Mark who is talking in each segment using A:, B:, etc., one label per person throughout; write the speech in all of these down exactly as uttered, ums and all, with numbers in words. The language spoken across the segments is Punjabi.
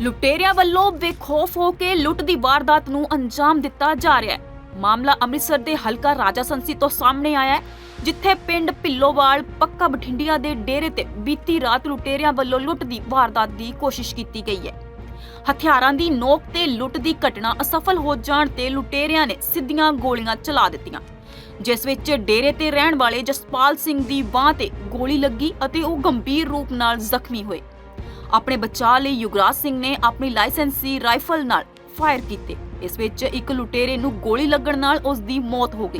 A: ਲੁਟੇਰਿਆਂ ਵੱਲੋਂ ਬੇਖੌਫ ਹੋ ਕੇ ਲੁੱਟ ਦੀ ਵਾਰਦਾਤ ਨੂੰ ਅੰਜਾਮ ਦਿੱਤਾ ਜਾ ਰਿਹਾ ਹੈ। ਮਾਮਲਾ ਅੰਮ੍ਰਿਤਸਰ ਦੇ ਹਲਕਾ ਰਾਜਾ ਸੰਸੀ ਤੋਂ ਸਾਹਮਣੇ ਆਇਆ ਹੈ, ਜਿੱਥੇ ਪਿੰਡ ਭਿੱਲੋਵਾਲ ਪੱਕਾ ਬਠਿੰਡਿਆ ਦੇ ਡੇਰੇ ਤੇ ਬੀਤੀ ਰਾਤ ਲੁਟੇਰਿਆਂ ਵੱਲੋਂ ਲੁੱਟ ਦੀ ਵਾਰਦਾਤ ਦੀ ਕੋਸ਼ਿਸ਼ ਕੀਤੀ ਗਈ ਹੈ। ਹਥਿਆਰਾਂ ਦੀ ਨੋਕ ਤੇ ਲੁੱਟ ਦੀ ਘਟਨਾ ਅਸਫਲ ਹੋ ਜਾਣ ਤੇ ਲੁਟੇਰਿਆਂ ਨੇ ਸਿੱਧੀਆਂ ਗੋਲੀਆਂ ਚਲਾ ਦਿੱਤੀਆਂ, ਜਿਸ ਵਿੱਚ ਡੇਰੇ ਤੇ ਰਹਿਣ ਵਾਲੇ ਜਸਪਾਲ ਸਿੰਘ ਦੀ ਬਾਂਹ ਤੇ ਗੋਲੀ ਲੱਗੀ ਅਤੇ ਉਹ ਗੰਭੀਰ ਰੂਪ ਨਾਲ ਜ਼ਖਮੀ ਹੋਏ। ਆਪਣੇ ਬਚਾਅ ਲਈ ਯੁਗਰਾਜ ਸਿੰਘ ਨੇ ਆਪਣੀ ਲਾਇਸੈਂਸੀ ਰਾਈਫਲ ਨਾਲ ਫਾਇਰ ਕੀਤੇ। ਇਸ ਵਿੱਚ ਇੱਕ ਲੁਟੇਰੇ ਨੂੰ ਗੋਲੀ ਲੱਗਣ ਨਾਲ ਉਸ ਦੀ ਮੌਤ ਹੋ ਗਈ।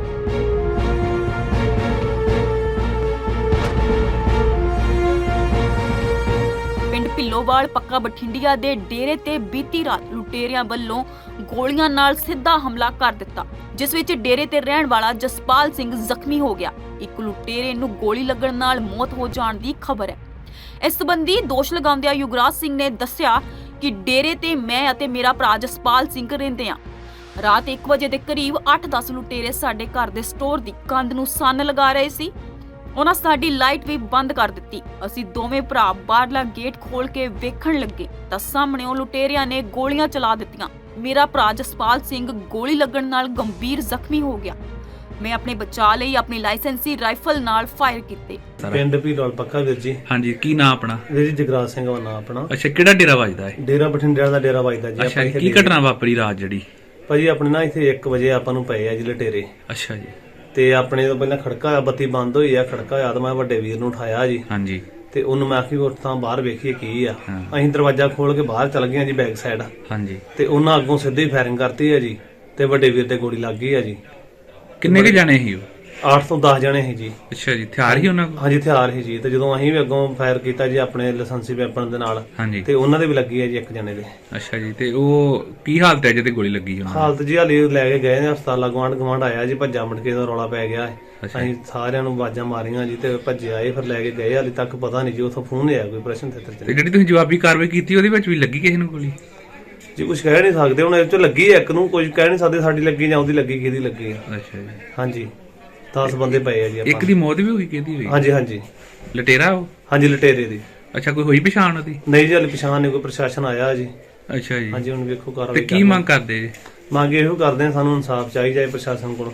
A: ਪਿੰਡ ਭਿੱਲੋਵਾਲ ਪੱਕਾ ਬਠਿੰਡਿਆ ਦੇ ਡੇਰੇ ਤੇ ਬੀਤੀ ਰਾਤ ਲੁਟੇਰਿਆਂ ਵੱਲੋਂ ਗੋਲੀਆਂ ਨਾਲ ਸਿੱਧਾ ਹਮਲਾ ਕਰ ਦਿੱਤਾ, ਜਿਸ ਵਿੱਚ ਡੇਰੇ ਤੇ ਰਹਿਣ ਵਾਲਾ ਜਸਪਾਲ ਸਿੰਘ ਜ਼ਖਮੀ ਹੋ ਗਿਆ। ਇੱਕ ਲੁਟੇਰੇ ਨੂੰ ਗੋਲੀ ਲੱਗਣ ਨਾਲ ਮੌਤ ਹੋ ਜਾਣ ਦੀ ਖਬਰ ਹੈ। ਇਸ ਸੰਬੰਧੀ ਦੋਸ਼ ਲਗਾਉਂਦਿਆਂ ਯੁਗਰਾਜ ਸਿੰਘ ਨੇ ਦੱਸਿਆ ਕਿ ਡੇਰੇ ਤੇ ਮੈਂ ਅਤੇ ਮੇਰਾ ਭਰਾ ਜਸਪਾਲ ਸਿੰਘ ਰਹਿੰਦੇ ਹਾਂ। ਰਾਤ ਇੱਕ ਵਜੇ ਦੇ ਕਰੀਬ ਅੱਠ ਦਸ ਲੁਟੇਰੇ ਸਾਡੇ ਘਰ ਦੇ ਸਟੋਰ ਦੀ ਕੰਧ ਨੂੰ ਸੰਨ ਲਗਾ ਰਹੇ ਸੀ। ਉਹਨਾਂ ਸਾਡੀ ਲਾਈਟ ਵੀ ਬੰਦ ਕਰ ਦਿੱਤੀ। ਅਸੀਂ ਦੋਵੇਂ ਭਰਾ ਬਾਹਰਲਾ ਗੇਟ ਖੋਲ ਕੇ ਵੇਖਣ ਲੱਗੇ ਤਾਂ ਸਾਹਮਣੇ ਉਹ ਲੁਟੇਰਿਆਂ ਨੇ ਗੋਲੀਆਂ ਚਲਾ ਦਿੱਤੀਆਂ। ਮੇਰਾ ਭਰਾ ਜਸਪਾਲ ਸਿੰਘ ਗੋਲੀ ਲੱਗਣ ਨਾਲ ਗੰਭੀਰ ਜ਼ਖਮੀ ਹੋ ਗਿਆ। ਮੈਂ ਆਪਣੇ ਬਚਾਅ ਲਈ ਆਪਣੀ ਲਾਇਸੈਂਸੀ ਰਾਈਫਲ ਨਾਲ ਫਾਇਰ ਕੀਤੇ।
B: ਪਿੰਡ ਭਿੱਲੋਵਾਲ ਪੱਕਾ ਵੀਰ ਜੀ।
C: ਹਾਂਜੀ, ਕੀ ਨਾਮ ਆਪਣਾ?
B: ਵੀਰ ਜੀ ਜਗਰਾਜ ਸਿੰਘ ਦਾ ਨਾਮ ਆਪਣਾ।
C: ਅੱਛਾ, ਕਿਹੜਾ ਡੇਰਾ ਵੱਜਦਾ ਹੈ?
B: ਡੇਰਾ ਬਠਿੰਡਿਆਂ ਦਾ ਡੇਰਾ ਵੱਜਦਾ ਜੀ।
C: ਅੱਛਾ, ਕੀ ਘਟਨਾ ਵਾਪਰੀ ਰਾਤ ਜਿਹੜੀ?
B: ਭਾਜੀ ਆਪਣੇ ਨਾ ਇੱਥੇ ਇੱਕ ਵਜੇ ਆਪਾਂ ਨੂੰ ਪਏ ਆ ਜੀ ਲਟੇਰੇ।
C: ਅੱਛਾ ਜੀ।
B: ਤੇ ਆਪਣੇ ਤੋਂ ਪਹਿਲਾਂ ਖੜਕਾ ਹੋਇਆ, ਬੱਤੀ ਬੰਦ ਹੋਈ ਆ, ਖੜਕਾ ਹੋਇਆ ਤਾਂ ਮੈਂ ਵੱਡੇ ਵੀਰ ਨੂੰ ਉਠਾਇਆ ਜੀ।
C: ਹਾਂਜੀ।
B: ਤੇ ਉਹਨੂੰ ਮੈਂ ਆਖੀ ਉੱਠ ਤਾਂ ਬਾਹਰ ਵੇਖੀਏ ਕੀ ਆ। ਅਸੀਂ ਦਰਵਾਜ਼ਾ ਖੋਲ ਕੇ ਬਾਹਰ ਚਲ ਗਏ ਜੀ ਬੈਕ ਸਾਈਡ।
C: ਹਾਂਜੀ।
B: ਤੇ ਉਹਨਾਂ ਅੱਗੋਂ ਸਿੱਧੀ ਫਾਇਰਿੰਗ ਕਰਤੀ ਆ ਜੀ ਤੇ ਵੱਡੇ ਵੀਰ ਤੇ ਗੋਲੀ ਲੱਗ ਗਈ ਆ ਜੀ।
C: ਕਿੰਨੇ ਕੁ ਜਾਣੇ ਸੀ ਉਹ?
B: ਅੱਠ ਤੋਂ ਦਸ ਜਣੇ ਸੀ ਜੀ।
C: ਅੱਛਾ ਜੀ, ਹਥਿਆਰ ਹੀ ਉਹਨਾਂ ਕੋਲ?
B: ਹਾਂਜੀ, ਹਥਿਆਰ ਸੀ ਜੀ। ਤੇ ਜਦੋਂ ਅਸੀਂ ਵੀ ਅੱਗੋਂ ਫਾਇਰ ਕੀਤਾ ਜੀ ਆਪਣੇ ਲਾਇਸੈਂਸੀ ਵੈਪਨ ਦੇ ਨਾਲ,
C: ਹਾਂਜੀ,
B: ਤੇ ਉਹਨਾਂ ਦੇ ਵੀ ਲੱਗੀ ਆ ਜੀ ਇੱਕ ਜਣੇ ਦੇ।
C: ਅੱਛਾ ਜੀ। ਤੇ ਉਹ ਕੀ ਹਾਲਤ ਹੈ ਜਿਹਦੇ ਗੋਲੀ ਲੱਗੀ ਉਹਨਾਂ?
B: ਹਾਲਤ ਜੀ ਹਾਲੇ ਲੈ ਕੇ ਗਏ ਨੇ ਹਸਪਤਾਲ। ਗਵਾਂਢ ਗਵਾਂਢ ਆਇਆ ਜੀ, ਭੱਜਾ ਮਟਕੇ ਦਾ ਰੌਲਾ ਪੈ ਗਿਆ। ਅਸੀਂ ਸਾਰਿਆਂ ਨੂੰ ਆਵਾਜ਼ਾਂ ਮਾਰੀਆਂ ਜੀ ਤੇ ਭੱਜੇ ਆਏ, ਫਿਰ ਲੈ ਕੇ ਗਏ। ਹਾਲੇ ਤੱਕ ਪਤਾ ਨਹੀਂ ਜੀ ਉੱਥੋਂ ਫੋਨ ਆਇਆ ਕੋਈ ਪ੍ਰਸ਼ਨ ਥੇਟਰ ਚ।
C: ਤੇ ਜਿਹੜੀ ਤੁਸੀਂ ਜਵਾਬੀ ਕਾਰਵਾਈ ਕੀਤੀ ਉਹਦੇ ਵਿੱਚ ਵੀ ਲੱਗੀ ਕਿਸੇ ਨੂੰ ਗੋਲੀ?
B: ਜੀ ਕੁਝ ਕਹਿ ਨਹੀਂ ਸਕਦੇ ਹੁਣ, ਇਹ ਚੋਂ ਲੱਗੀ ਇੱਕ ਨੂੰ, ਕੁਝ ਕਹਿ ਨਹੀਂ ਸਕਦੇ ਸਾਡੀ ਲੱਗੀ ਜਾਂ ਉਹਦੀ ਲੱਗੀ, ਕਿਹਦੀ ਲੱਗੀ।
C: ਅੱਛਾ ਜੀ।
B: ਹਾਂਜੀ, ਦਸ ਬੰਦੇ ਪਏ ਆ ਜੀ।
C: ਇੱਕ ਦੀ ਮੌਤ ਵੀ ਹੋ ਗਈ, ਕਿਹਦੀ ਹੋਈ?
B: ਹਾਂਜੀ ਹਾਂਜੀ,
C: ਲਟੇਰਾ ਉਹ?
B: ਹਾਂਜੀ ਲਟੇਰੇ ਦੀ।
C: ਅੱਛਾ, ਕੋਈ ਹੋਈ ਪਛਾਣ ਉਹਦੀ?
B: ਨਹੀਂ ਜੀ, ਹਾਲੇ ਪਛਾਣ ਨਹੀਂ, ਕੋਈ ਪ੍ਰਸ਼ਾਸਨ ਆਇਆ ਜੀ।
C: ਅੱਛਾ ਜੀ।
B: ਹਾਂਜੀ, ਹੁਣ ਵੇਖੋ ਕਾਰਵਾਈ।
C: ਤੇ ਕੀ ਮੰਗ ਕਰਦੇ ਜੀ?
B: ਮੰਗ ਇਹੋ ਕਰਦੇ ਆ, ਸਾਨੂੰ ਇਨਸਾਫ ਚਾਹੀਦਾ ਹੈ ਪ੍ਰਸ਼ਾਸਨ ਕੋਲੋਂ।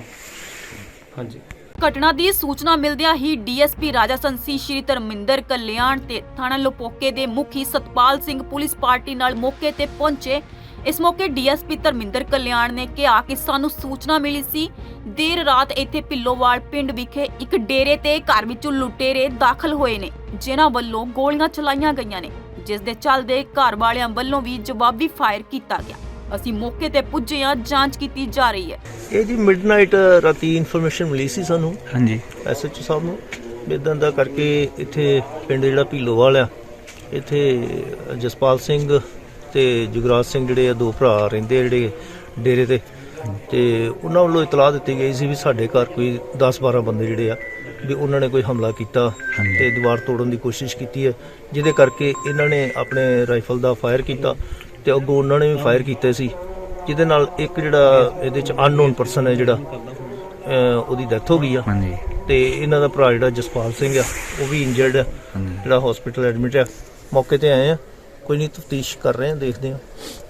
B: ਹਾਂਜੀ।
A: ਘਟਨਾ ਦੀ ਸੂਚਨਾ ਮਿਲਦਿਆਂ ਹੀ ਡੀਐਸਪੀ ਰਾਜਾ ਸੰਸੀ ਸ਼੍ਰੀ ਧਰਮਿੰਦਰ ਕਲਿਆਣ ਤੇ ਥਾਣਾ ਲੋਪੋਕੇ ਦੇ ਮੁਖੀ ਸਤਪਾਲ ਸਿੰਘ ਪੁਲਿਸ ਪਾਰਟੀ ਨਾਲ ਮੌਕੇ ਤੇ ਪਹੁੰਚੇ। ਇਸ ਮੌਕੇ ਡੀਐਸਪੀ ਧਰਮਿੰਦਰ ਕਲਿਆਣ ਨੇ ਕਿਹਾ ਕਿ ਸਾਨੂੰ ਸੂਚਨਾ ਮਿਲੀ ਸੀ ਦੇਰ ਰਾਤ ਇੱਥੇ ਭਿੱਲੋਵਾਲ ਪਿੰਡ ਵਿਖੇ ਇੱਕ ਡੇਰੇ ਤੇ ਘਰ ਵਿੱਚੋਂ ਲੁਟੇਰੇ ਦਾਖਲ ਹੋਏ ਨੇ, ਜਿਨ੍ਹਾਂ ਵੱਲੋਂ ਗੋਲੀਆਂ ਚਲਾਈਆਂ ਗਈਆਂ ਨੇ, ਜਿਸ ਦੇ ਚੱਲਦੇ ਘਰ ਵਾਲਿਆਂ ਵੱਲੋਂ ਵੀ ਜਵਾਬੀ ਫਾਇਰ ਕੀਤਾ ਗਿਆ। ਅਸੀਂ ਮੌਕੇ ਤੇ ਪੁੱਜੇ ਹਾਂ, ਜਾਂਚ ਕੀਤੀ ਜਾ ਰਹੀ ਹੈ।
D: ਇਹ ਜੀ ਮਿਡਨਾਈਟ ਰਾਤੀ ਇਨਫੋਰਮੇਸ਼ਨ ਮਿਲੀ ਸੀ ਸਾਨੂੰ।
C: ਹਾਂਜੀ।
D: ਐਸਐਚਓ ਸਾਹਿਬ ਨੂੰ ਇਦਾਂ ਦਾ ਕਰਕੇ ਇੱਥੇ ਪਿੰਡ ਜਿਹੜਾ ਭਿੱਲੋਵਾਲ ਆ, ਇੱਥੇ ਜਸਪਾਲ ਸਿੰਘ ਤੇ ਜੁਗਰਾਜ ਸਿੰਘ ਜਿਹੜੇ ਆ ਦੋ ਭਰਾ ਰਹਿੰਦੇ ਜਿਹੜੇ ਡੇਰੇ ਤੇ, ਤੇ ਉਹਨਾਂ ਵੱਲੋਂ ਇਤਲਾਹ ਦਿੱਤੀ ਗਈ ਸੀ ਵੀ ਸਾਡੇ ਘਰ ਕੋਈ ਦਸ ਬਾਰਾਂ ਬੰਦੇ ਜਿਹੜੇ ਆ ਵੀ ਉਹਨਾਂ ਨੇ ਕੋਈ ਹਮਲਾ ਕੀਤਾ ਤੇ ਦੀਵਾਰ ਤੋੜਨ ਦੀ ਕੋਸ਼ਿਸ਼ ਕੀਤੀ ਹੈ, ਜਿਹਦੇ ਕਰਕੇ ਇਹਨਾਂ ਨੇ ਆਪਣੇ ਰਾਈਫਲ ਦਾ ਫਾਇਰ ਕੀਤਾ ਤੇ ਅੱਗੋਂ ਉਹਨਾਂ ਨੇ ਵੀ ਫਾਇਰ ਕੀਤੇ ਸੀ, ਜਿਹਦੇ ਨਾਲ ਇੱਕ ਜਿਹੜਾ ਇਹਦੇ ਚ ਅਨਨੋਨ ਪਰਸਨ ਹੈ ਜਿਹੜਾ ਉਹਦੀ ਡੈਥ ਹੋ ਗਈ ਆ।
C: ਹਾਂਜੀ।
D: ਤੇ ਇਹਨਾਂ ਦਾ ਭਰਾ ਜਿਹੜਾ ਜਸਪਾਲ ਸਿੰਘ ਆ ਉਹ ਵੀ ਇੰਜਰਡ ਆ, ਜਿਹੜਾ ਹਸਪੀਟਲ ਐਡਮਿਟ ਆ। ਮੌਕੇ ਤੇ ਆਏ ਆ, ਕੋਈ ਨਹੀਂ, ਤਫਤੀਸ਼ ਕਰ ਰਹੇ ਆ, ਦੇਖਦੇ ਆ।